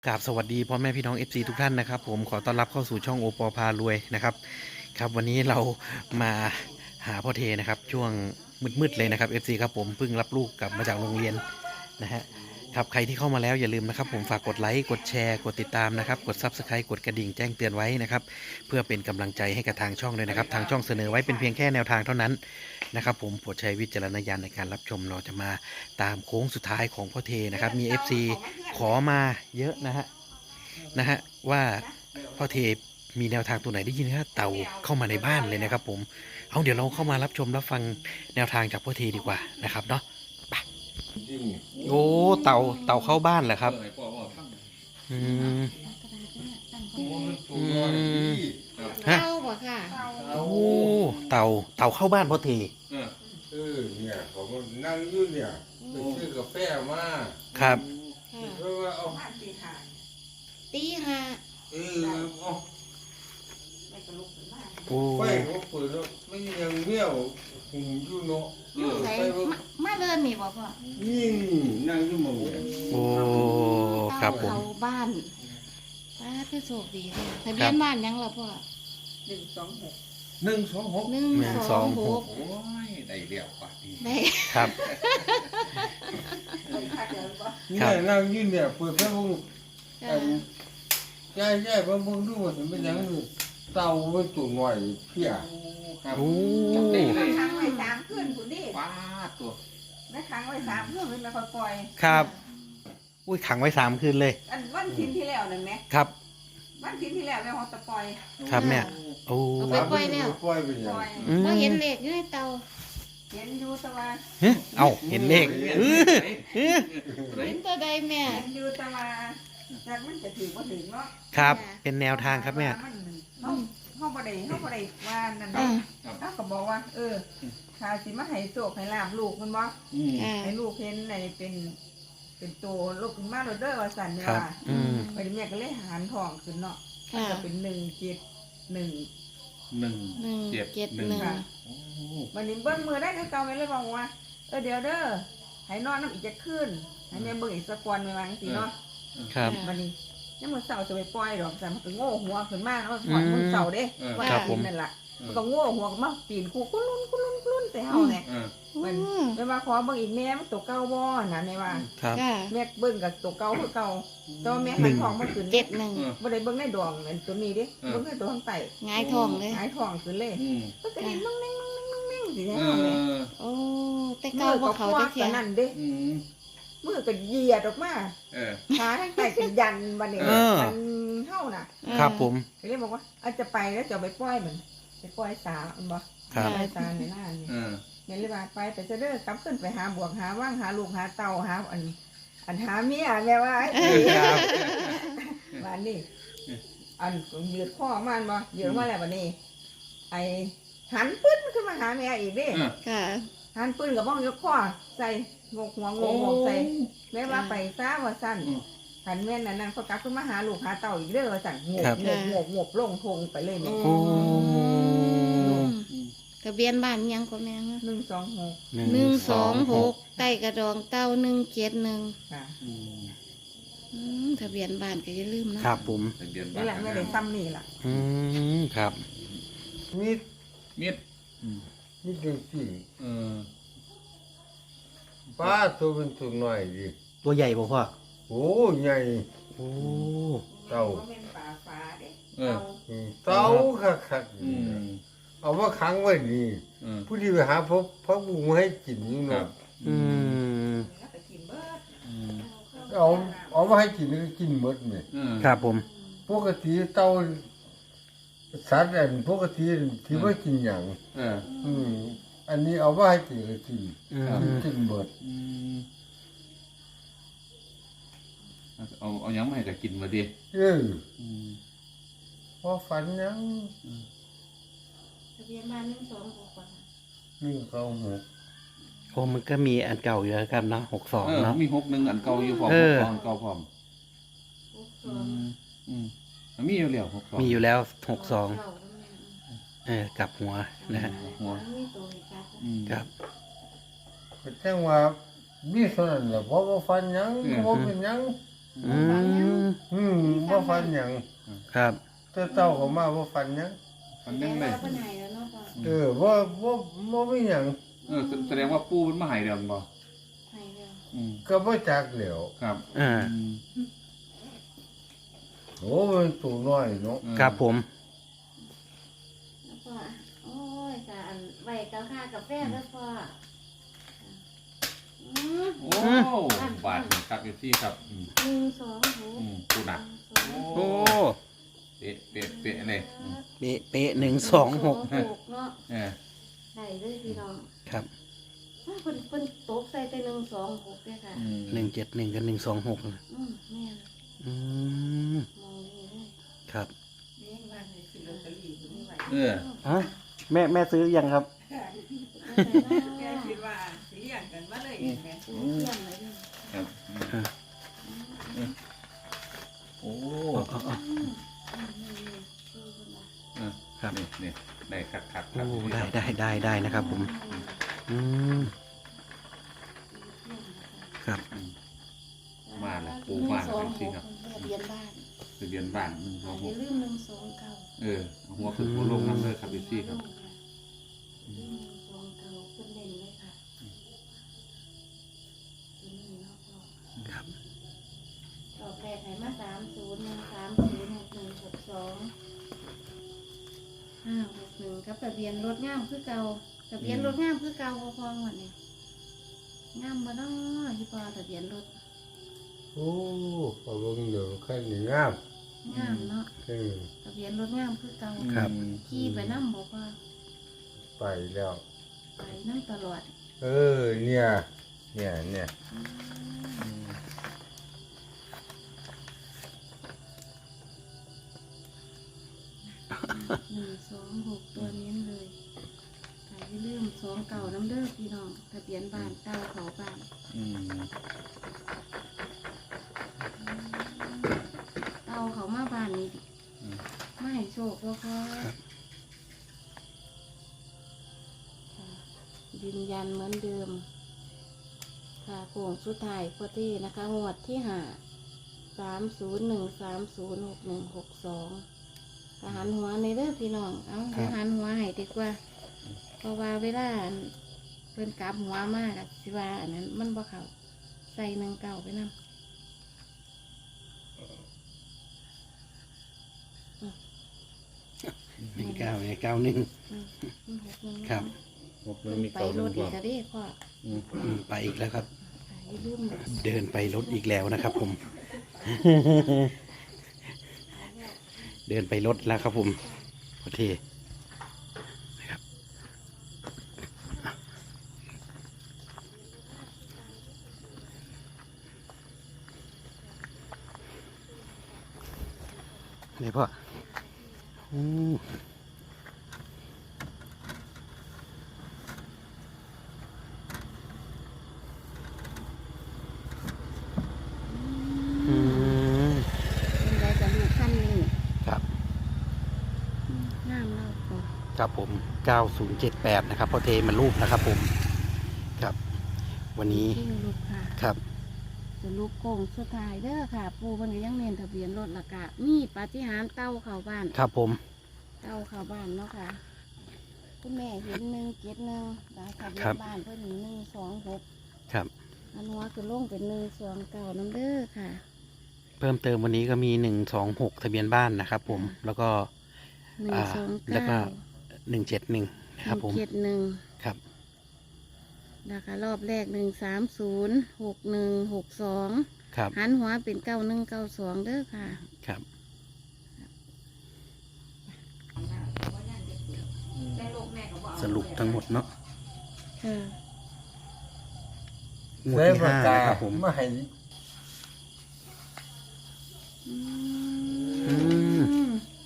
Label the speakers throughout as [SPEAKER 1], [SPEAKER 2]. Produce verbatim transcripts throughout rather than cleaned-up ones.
[SPEAKER 1] กราบสวัสดีพ่อแม่พี่น้อง เอฟ ซี ทุกท่านนะครับผมขอต้อนรับเข้าสู่ช่องโอปอพารวยนะครับครับวันนี้เรามาหาพ่อเทนะครับช่วงมืดๆเลยนะครับ เอฟ ซี ครับผมเพิ่งรับลูกกลับมาจากโรงเรียนนะฮะครับใครที่เข้ามาแล้วอย่าลืมนะครับผมฝากกดไลค์กดแชร์กดติดตามนะครับกด ซับสไครบ์ กดกระดิ่งแจ้งเตือนไว้นะครับเพื่อเป็นกำลังใจให้กับทางช่องด้วยนะครับทางช่องเสนอไว้เป็นเพียงแค่แนวทางเท่านั้นนะครับผมโปรดใช้วิจารณญาณในการรับชมเราจะมาตามโค้งสุดท้ายของพ่อเทนะครับมี เอฟ ซี ขอมาเยอะนะฮะนะฮะว่าพ่อเทมีแนวทางตัวไหนได้ยินว่าเต่าเข้ามาในบ้านเลยนะครับผมเอาเดี๋ยวเราเข้ามารับชมรับฟังแนวทางจากพ่อเทดีกว่านะครับเนาะไปโอ้เต่าเต่าเข้าบ้านเหรอครับอืมอืมฮะ
[SPEAKER 2] เต้าบ่ค่ะ
[SPEAKER 1] โอ้เต่าเต่าเข้าบ้านพ่อเท
[SPEAKER 3] เออเนี่ยเขาก็นั่งอยู่เนี่ยไปซื้อกาแฟมา
[SPEAKER 1] ครับ
[SPEAKER 2] ค่ะ
[SPEAKER 3] เพราะว่าเอา
[SPEAKER 2] ตีห้า
[SPEAKER 3] เออเอา
[SPEAKER 1] โอ้
[SPEAKER 3] ไฟเขาเปิดแล้วไม่ยังเมี่ยวหุ่มอยู่เนาะเออ
[SPEAKER 2] ใส่
[SPEAKER 3] ไฟมัน
[SPEAKER 2] มามาเดินนี่บ่พ่อ
[SPEAKER 3] ยิ่งนั่งอยู่หมองเนี่ย
[SPEAKER 1] โอ้ครับผม
[SPEAKER 2] เต้าเข้าบ้านป้าคือโชคดีค่ะทะเบียนบ้านยังล่ะพ่อ
[SPEAKER 3] หนึ่งสองหก
[SPEAKER 2] หนึ่ง
[SPEAKER 1] หนึ่ง
[SPEAKER 2] ส
[SPEAKER 1] ส
[SPEAKER 2] อ
[SPEAKER 1] อง ง
[SPEAKER 2] ห
[SPEAKER 1] ห
[SPEAKER 2] ก
[SPEAKER 1] ก
[SPEAKER 3] โอ้ยได้เรียวกว่านี้
[SPEAKER 2] ได้
[SPEAKER 1] ครับ
[SPEAKER 3] เนี่ยนั่งอยู่เนี่ยเปิดไฟมึง
[SPEAKER 2] ค่ะ
[SPEAKER 3] ใช่ใช่เพิ่งเพิ่งดูว่าถึงเป็นยังไงเต่าไว้ตัวหน่อยเพี้ย
[SPEAKER 1] โอ้
[SPEAKER 4] มันค้างไว้สามคืนคุณดิ
[SPEAKER 3] ป้าตัว
[SPEAKER 4] แม่ค้างไว้สามคืนมันไม่ค่อยปล่อย
[SPEAKER 1] ครับอุ้ยขังไว้สามคืนเลย
[SPEAKER 4] อันวันทิ้นที่แล้วนั่นไหม
[SPEAKER 1] ครับ
[SPEAKER 4] วันทิ้นที่แล้วแล้วเขาจะปล่อย
[SPEAKER 1] ครับแม่โอ้
[SPEAKER 2] เอาไปปล่อยแล้ว
[SPEAKER 3] ปล่อยไปยั
[SPEAKER 4] ป
[SPEAKER 3] ง
[SPEAKER 4] ล่อย
[SPEAKER 1] อืม
[SPEAKER 2] บ่เห็นเลขอยู่ในเตา
[SPEAKER 4] เห็นอยู่แตะวัน
[SPEAKER 1] เฮ้ยเอ้าเห็นเลขเออเออ
[SPEAKER 2] เห็นตัวใดแม่
[SPEAKER 4] เห็นอยู่แตะวันจากมันจะถือว่าถึงเนาะ
[SPEAKER 1] ครับเป็นแนวทางครับแม่
[SPEAKER 4] นเขาเขาบ่ได้เขาบ่ได้ว่านั่น
[SPEAKER 2] อ่า
[SPEAKER 4] เขาก็บอกว่า เออข้าสิมาให้โศกให้ลาบลูกมันบ่
[SPEAKER 3] อืม
[SPEAKER 2] ค่ะ
[SPEAKER 4] ให้ลูกเห็นในเป็น เป็นตัวลูกขึ้นมาโรเดอร์ว่าสันเนี่ย
[SPEAKER 1] ครับ
[SPEAKER 4] ว่า
[SPEAKER 1] อืม
[SPEAKER 4] ไปแม่ก็เลยหารทองขึ้นเนาะ
[SPEAKER 2] ค่ะ
[SPEAKER 4] ก็เป็นหนึ่งเจ็ดหนึ่ง
[SPEAKER 3] หนึ่ง
[SPEAKER 2] หนึ่ง
[SPEAKER 3] เจ็ด
[SPEAKER 2] เจ็ด
[SPEAKER 3] หนึ่ง
[SPEAKER 2] หนึ่ง
[SPEAKER 4] ค่ะ วันนี้เบิ้งมือได้คือเก่าไม่เลยบอกว่าเออเดี๋ยวเด้อให้นอนน้ำอีกจะขึ้นให้แม่เบิ้งอีกสักวันไม่วางสิเนาะ
[SPEAKER 1] ครับ
[SPEAKER 4] วันนี้ยังมือเสาจะไปปล่อยดอกแต่มันก็โง่หัวขึ้นมากแล้วมันปล่อยมือเสาเด้ว่า
[SPEAKER 1] ครับผม
[SPEAKER 4] นั่นแหละมันก็โง่หัวมาปีนคูกุ้นลุ้นกุ้นลุ้นกุ้นลุ้นแต่เฮาเนี่ย
[SPEAKER 3] เออ
[SPEAKER 4] มัน
[SPEAKER 2] อืม
[SPEAKER 4] ไม่ว่าขอเบิ้งอีกแม่มันตัวเก่าบ่นะไม่ว่า
[SPEAKER 1] ครับ
[SPEAKER 2] ค่ะ
[SPEAKER 4] แม่เบิ้งกับตัวเก่าคือเก่าแตัวาแม่หันทองมาขึ้น
[SPEAKER 2] เจ็ดหนึ่ง
[SPEAKER 4] บ่ได้เบิ้งในดวงนั่นตัวนี้เด้เบิ้งในตัวข้างใต้
[SPEAKER 2] หงายทองเลย
[SPEAKER 4] หายทองขึ้นเลย
[SPEAKER 3] อืม
[SPEAKER 4] มันก็เห็นมั่งแม่งมั่งแม่งมั่งแม่งสิ
[SPEAKER 3] เอ
[SPEAKER 4] เฮาแม่
[SPEAKER 3] อ
[SPEAKER 2] โอ้แต่
[SPEAKER 4] มื
[SPEAKER 2] เก่า
[SPEAKER 4] อ
[SPEAKER 2] บ่
[SPEAKER 4] ก็
[SPEAKER 2] เขา
[SPEAKER 4] คว้า
[SPEAKER 2] จะเทีย
[SPEAKER 4] กัน นั่นเด้
[SPEAKER 3] อืม
[SPEAKER 4] มือก็เหยียดออกมา
[SPEAKER 3] เออ
[SPEAKER 4] ขาทั้งใต้ก็ยันบัดนี้
[SPEAKER 1] เออ
[SPEAKER 4] มันเฮาน่ะ
[SPEAKER 1] ครับผม
[SPEAKER 4] ก็เลยบอกว่าอาจจะไปแล้วจะเอาไปปล่อยมันไปปล่อยสาอันบ่
[SPEAKER 1] ครับ
[SPEAKER 4] ปล่อยสาในหน้านี่
[SPEAKER 3] เออ
[SPEAKER 4] เนี่ยเลยว่าไปแต่จะเด้อกลับขึ้นไปหาบวกหาว่างหาลูกหาเต่าหาอัน อันหาเมียแม่ว่าไอ้
[SPEAKER 1] ครับ
[SPEAKER 4] วันนี้อันยืดข้อมันบ่ยืดมาแล้วบัดนี้ ไอ้หันปื้นขึ้นมาหาแม่อีกเด้
[SPEAKER 3] เออ
[SPEAKER 2] ค่ะ
[SPEAKER 4] หันปืนกับบ้องยกข้อใส่งกหัวงกงกใส่แม่ว่าไปซ่าว่าสั้นขันแม่นนั่นนั่นเขากลับขึ้นมาหาลูกหาเต่าอีกเด้อว่าสั่นงก
[SPEAKER 1] ครับ
[SPEAKER 4] งกงกงกลงทงไปเลยเนี่ย
[SPEAKER 1] โอ้
[SPEAKER 2] ทะเบียนบ้านยังก็แม่ฮะ
[SPEAKER 4] หนึ่งสองหก
[SPEAKER 2] หนึ่งสองหกใต้กระดองเต้าหนึ่งเจ็ดหนึ่ง
[SPEAKER 4] ค่ะ
[SPEAKER 3] อืม
[SPEAKER 2] อืมทะเบียนบ้านก็อย่าลืมนะครับ
[SPEAKER 1] ผม
[SPEAKER 3] ทะเบียนบ้า
[SPEAKER 4] นี่แหละแม่ได้ซ้ำนี่ล่ะ
[SPEAKER 1] อืมครับ
[SPEAKER 3] มีดมีด
[SPEAKER 5] นี่จริง
[SPEAKER 3] เออ
[SPEAKER 5] ๆป้าตัวเป็นตัวหน่อยดิ
[SPEAKER 1] ตัวใหญ่บ่พ่อ
[SPEAKER 5] โอ้ใหญ่
[SPEAKER 1] โอ้
[SPEAKER 5] เต่า
[SPEAKER 4] บ่แม่นป่าฟ้าเด้
[SPEAKER 3] เออ
[SPEAKER 5] อืมเต่าคัก
[SPEAKER 3] อืม
[SPEAKER 5] ๆเอามาขังไว้นี่
[SPEAKER 3] เออ
[SPEAKER 5] ผู้ที่ไปหาพบพระบุงให้กินอยู่
[SPEAKER 3] ครั
[SPEAKER 5] เนาะ
[SPEAKER 3] บ
[SPEAKER 1] อืม
[SPEAKER 4] แล้วก็กินเบิด
[SPEAKER 3] อืม
[SPEAKER 5] เอาเอามาให้กินก็กินหมดนี่
[SPEAKER 3] เออ
[SPEAKER 1] ครับผม
[SPEAKER 5] ปกติเต่าสัตว์อันปกติที่ว่ากินหยัง
[SPEAKER 3] เออ
[SPEAKER 5] อืมอันนี้เอามาให้กินก็กิน
[SPEAKER 1] อืม
[SPEAKER 5] กินกินหมด
[SPEAKER 3] อืมเอาเอายังไม่ให้จะกินมาดิ
[SPEAKER 5] เออ
[SPEAKER 3] อืม
[SPEAKER 5] พอฝันหยัง
[SPEAKER 2] ทะเบียนบ้านหนึ่งสองหกก่อน
[SPEAKER 5] นึ่งเขาหมด
[SPEAKER 1] โอ้มันก็มีอันเก่าอยู่แล้วครับเนาะหกสอง
[SPEAKER 3] เออ
[SPEAKER 1] เนาะ
[SPEAKER 3] มีหกหนึ่งอันเก่าอยู่พร้อม
[SPEAKER 1] เออ
[SPEAKER 3] หกสองอันเก่าพร้อม
[SPEAKER 2] หกส
[SPEAKER 3] อื
[SPEAKER 2] อง
[SPEAKER 3] มอืมมันมีอยู่แล้วหกสอง
[SPEAKER 1] มีอยู่แล้วหกสอง
[SPEAKER 2] เก้าก็แม่
[SPEAKER 1] เออกลับหัวนะฮะ
[SPEAKER 3] หัว
[SPEAKER 2] มันมีตัวอีกครับ
[SPEAKER 3] อืม
[SPEAKER 1] ครับ
[SPEAKER 5] ก็แจ้งว่ามีส่วนนั้นแหละเพราะว่าฝันหยังเพราะเป็นหยัง
[SPEAKER 1] ออืม
[SPEAKER 5] อืมบ่ฟันหยัง
[SPEAKER 1] ครับ
[SPEAKER 5] แต่เต้าเขามาบ่ฟันหยัง
[SPEAKER 3] มัน
[SPEAKER 2] แม่
[SPEAKER 3] แม่น
[SPEAKER 2] ว่า
[SPEAKER 3] เลย
[SPEAKER 2] เพิ่นให้แล้วเนาะพ่อ
[SPEAKER 5] เออบ่บ่บ่มีหยัง
[SPEAKER 3] เออแสดงว่าปูมันมาใหายเดิมบ่
[SPEAKER 2] ให้แล้ว
[SPEAKER 3] อืม
[SPEAKER 5] ก็บ่จักแหล้ว
[SPEAKER 3] ครับ
[SPEAKER 1] อ่า
[SPEAKER 3] อืม
[SPEAKER 5] โอ้มันตัวน้อยเนาะ
[SPEAKER 1] ครับผม
[SPEAKER 2] แล้วพ่อโอ้ยค่ะอันไว้กับค่ากาแฟเด้อพ่ออืม
[SPEAKER 3] โอ้บาทหนึ่งครับอยู่ที่ครับอืม
[SPEAKER 2] หนึ่งสองหก
[SPEAKER 3] อืมปูหนัก
[SPEAKER 1] โอ้
[SPEAKER 3] เป๊ะเป๊ะเป๊ะเลยอืม
[SPEAKER 1] เป๊ะเป๊ะหนึ่งสองหก
[SPEAKER 2] หกเนาะ
[SPEAKER 3] เออ
[SPEAKER 2] ได้เลยพี่น้อง
[SPEAKER 1] ครับ
[SPEAKER 2] อ้าวเพิ่นเพิ่นตกใส่แต่หนึ่งสองหกเด้อค่ะ
[SPEAKER 3] อืม
[SPEAKER 1] หนึ่งเจ็ดหนึ่งกับหนึ่งสองหก
[SPEAKER 2] อืมแม่น
[SPEAKER 1] อืม
[SPEAKER 2] มองนี่เลย
[SPEAKER 1] ครับ
[SPEAKER 3] เออ
[SPEAKER 1] ฮะแม่แม่ซื้อยังครับ
[SPEAKER 4] แกคิดว่าสิเลี้ยงกันมาเลยเองแม่
[SPEAKER 2] เยี่ยมเลยเนี่ย
[SPEAKER 3] ครับอืมโอ้
[SPEAKER 1] อ๋ออ๋อ
[SPEAKER 2] อืมอืมนี่ๆคือเพิ่นว่า
[SPEAKER 3] เออ
[SPEAKER 1] ครับ
[SPEAKER 3] นี่นี่ได้ครับครับค
[SPEAKER 1] โอ้
[SPEAKER 3] รับ
[SPEAKER 1] ได้ได้ได้ได้นะครับผม อืมครับ
[SPEAKER 3] อืม มาแล้วปูมาแล้วจริงๆครับ
[SPEAKER 2] ทะเบียนบ้าน
[SPEAKER 3] ทะเบียนบ้านหนึ่งสองห
[SPEAKER 2] อย่าก ลืมหนึ่งสองเก้า
[SPEAKER 3] เออเอาหัวขึ้นหัวลงน้ำเลยครับพี่ซี่ครับ
[SPEAKER 2] หนึ่งสองเก้าขึ้นเล่นเลยค่ะตัวนี้เนาะพ่อ
[SPEAKER 1] ครับ
[SPEAKER 2] รอบแรกให้มาสามศูนย์หนึ่งสามศูนย์หกหนึ่งหกสองห้าหกหนึ่งกับทะเบียนรถงามคือเก่าทะเบียนรถงามคือเก่าพอพอหมดนี่งามบ่เนาะที่พอทะเบียนรถ
[SPEAKER 5] โอ้พอเบิ่งเดี๋ยวคันนี่งาม
[SPEAKER 2] งามเนาะ
[SPEAKER 5] เออ
[SPEAKER 2] ทะเบียนรถงามคือเก่า
[SPEAKER 1] ครับ
[SPEAKER 2] ขี่ไปน้ำบอกว่า
[SPEAKER 5] ไปแล้ว
[SPEAKER 2] ไปน้ำตลอด
[SPEAKER 5] เออเนี่ยเนี่ยเนี่ย
[SPEAKER 2] หนึ่งสองหกตัวเน้นเลยใครที่ลืมสองเก่าน้ำเด้อพี่น้องทะเบียนบ้านเก่าเขาบ้าน
[SPEAKER 3] อืม
[SPEAKER 2] เก่าเขามาบ้านนี้
[SPEAKER 3] อืม
[SPEAKER 2] ไม่ให้โชคแล้วก็ยืนยันเหมือนเดิม ค่ะโค้งสุดท้ายพอดีนะคะงวดที่ห้าสามศูนย์หนึ่งสามศูนย์หกหนึ่งหกสองทหารหัวในเด้อพี่น้อง เอาทหารหัวให้ดีกว่า เพราะว่าเวลาอันเพิ่นกลับหัวมากอะสิว่าอันนั้นมันบ่เข้าใส่หนึ่งเก่าไปนำ
[SPEAKER 1] หนึ่งเก้าไงเก้าหนึ่ง ครับ
[SPEAKER 3] หกห
[SPEAKER 2] เพิ่
[SPEAKER 3] นึ่ง
[SPEAKER 2] น
[SPEAKER 3] มี
[SPEAKER 2] ไป
[SPEAKER 3] เก่าร ล
[SPEAKER 2] ถ
[SPEAKER 3] ง
[SPEAKER 2] อี
[SPEAKER 3] ก่อก น
[SPEAKER 2] ก็ได้พ่อ
[SPEAKER 3] อืม
[SPEAKER 1] อืมไปอีกแล้วครับ
[SPEAKER 2] ไปลืม
[SPEAKER 1] เดินไปรถอีกแล้วนะครับผม เดินไปรถแล้วครับผมโอเคนะครับนี่พ่ออืมอืม
[SPEAKER 2] เป็นไรกับลูกขั้นนี้
[SPEAKER 1] ครับ
[SPEAKER 2] อืมงามเราพ่อ
[SPEAKER 1] ครับผม เก้าศูนย์เจ็ดแปด นะครับพ่อเทมันรูปนะครับผม ครับ วันนี้
[SPEAKER 2] ชื่อลูกค่ะ
[SPEAKER 1] ครับ
[SPEAKER 2] จะลูกโก่งสุดท้ายเด้อค่ะ ปูมันก็ยังเน้นทะเบียนรถละกะมีปาฏิหาริย์เต้าเข้าบ้าน
[SPEAKER 1] ครับผม
[SPEAKER 2] เต้าเข้าบ้านเนาะค่ะคุณแม่เห็นหนึ่งเจ็ดหนึ่งดาวทะเบียนบ้านเพิ่นหนึ่งสองหก
[SPEAKER 1] ครับ
[SPEAKER 2] อันหัวคือลงเป็นหนึ่งสองเก้าน้ำเด้อค่ะ
[SPEAKER 1] เพิ่มเติมวันนี้ก็มีหนึ่งสองหกทะเบียนบ้านนะครับผม แล้วก็
[SPEAKER 2] หนึ่ง
[SPEAKER 1] อ่า
[SPEAKER 2] สอง
[SPEAKER 1] แล้วก็
[SPEAKER 2] เก้า
[SPEAKER 1] หนึ่งเจ็ดหนึ่งนะครับผม
[SPEAKER 2] เจ็ดหนึ่ง
[SPEAKER 1] ครับ
[SPEAKER 2] นะคะรอบแรกหนึ่งสามศูนย์หกหนึ่งหกสอง
[SPEAKER 1] ครับ
[SPEAKER 2] หันหัวเป็นเก้าหนึ่งเก้าสองเด้อค่ะ
[SPEAKER 1] ครับ สรุปทั้งหมดเนาะ
[SPEAKER 2] ค่ะ
[SPEAKER 1] งวด
[SPEAKER 5] ใส่
[SPEAKER 1] ที่
[SPEAKER 5] ปาก
[SPEAKER 1] ห้าก
[SPEAKER 5] า
[SPEAKER 1] นะครับผม
[SPEAKER 5] มาให้
[SPEAKER 2] อื
[SPEAKER 1] อื
[SPEAKER 2] ม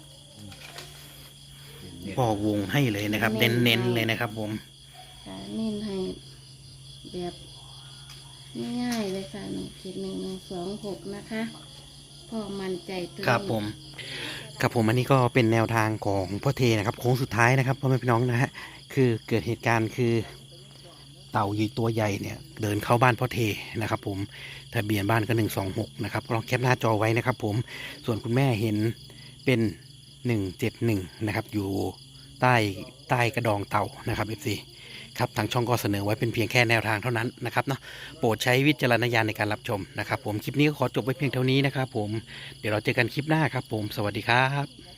[SPEAKER 1] พ่อวงให้เลยนะครับ
[SPEAKER 2] เน้
[SPEAKER 1] เน้
[SPEAKER 2] น
[SPEAKER 1] น
[SPEAKER 2] ให้
[SPEAKER 1] ๆเลยนะครับผม
[SPEAKER 2] ค่ะเน้นให้แบบง่ายๆเลยค่ะหนึ่งขีดหนึ่งหนึ่งสองหกนะคะพ่อมั่นใจตัว
[SPEAKER 1] ครับผม ครับผมอันนี้ก็เป็นแนวทางของพ่อเทนะครับโค้งสุดท้ายนะครับพ่อแม่พี่น้องนะฮะคือเกิดเหตุการณ์คือเต่าใหญ่ตัวใหญ่เนี่ยเดินเข้าบ้านพ่อเทนะครับผมทะเบียนบ้านก็หนึ่งสองหกนะครับลองแคปหน้าจอไว้นะครับผมส่วนคุณแม่เห็นเป็นหนึ่งเจ็ดหนึ่งนะครับอยู่ใต้ใต้กระดองเต่านะครับเอฟซีครับทางช่องก็เสนอไว้เป็นเพียงแค่แนวทางเท่านั้นนะครับเนาะโปรดใช้วิจารณญาณในการรับชมนะครับผมคลิปนี้ก็ขอจบไว้เพียงเท่านี้นะครับผมเดี๋ยวเราเจอกันคลิปหน้าครับผมสวัสดีครับ